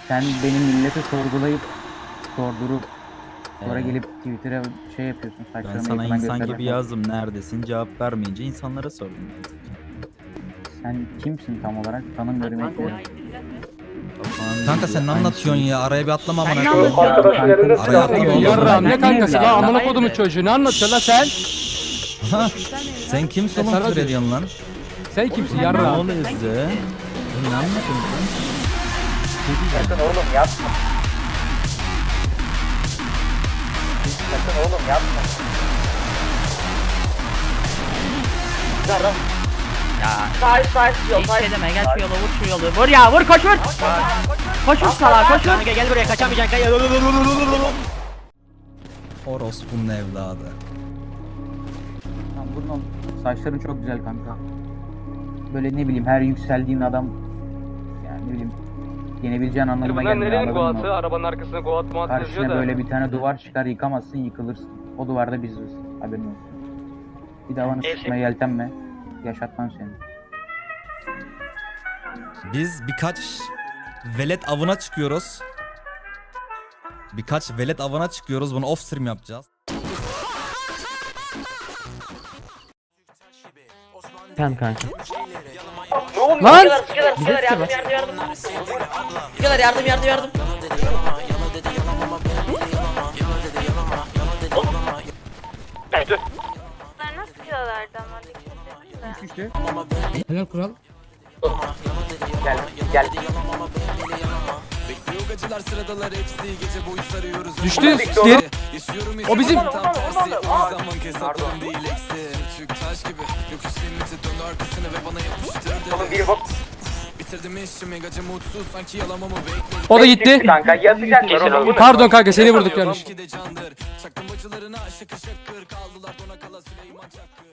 Sen benim millete sorgulayıp sordurup sonra gelip Twitter'a şey yapıyorsun. Ben Saçlarını sana yakından insan göstermek gibi lazım. yazdım neredesin cevap vermeyince insanlara sordum. Sen kimsin tam olarak? Tanım görmek istiyorum. Kanka sen ne anlatıyorsun ya? Araya bir atlama amına ne koyayım. anlatıyorsun? Araya atlama oğlum. Yarram ne Ben kankası neyim lan lan? amına kodumun çocuğu ne anlatıyorsun lan sen? Ha? Sen kimsin oğlum Sana küfür diyor. ediyorsun lan? Sen kimsin Ne yarram? oluyor size? Ne anlatıyorsun? Sakın oğlum yapma. Sakın oğlum yapma. Ya Sağ yol hiç şey deme, gel şu yola, vur şu yolu. Vur ya, vur, koş vur. Koş vur salak, koş vur. Kanka gel buraya, kaçamayacaksın. Orospu'nun evladı. Tamam, bunun saçların çok güzel kanka. Böyle ne bileyim her yükseldiğin adam yani ne bileyim yenebileceğin anlamına Bunlar gelmiyor, nerenin anladın mı? goatı? Arabanın arkasına goat muat yazıyor Karşına da. böyle bir tane duvar çıkar, yıkamazsın, yıkılırsın. O duvarda biziz. Haberin olsun. Bir daha bana sıkmaya yeltenme. Yaşatmam seni. Biz birkaç velet avına çıkıyoruz. Birkaç velet avına çıkıyoruz. Bunu off stream yapacağız. Tamam kanka. Lan! Sıkıyorlar yardım. Sıkıyorlar yardım. Bunlar nasıl kilolardı ama dikkat edin de. Helal kural. Gel. Düştü. Diğer... O bizim. Oğlum biri bak. O da gitti. Kanka yazacaklar oğlum. Pardon kanka seni vurduk yanlış.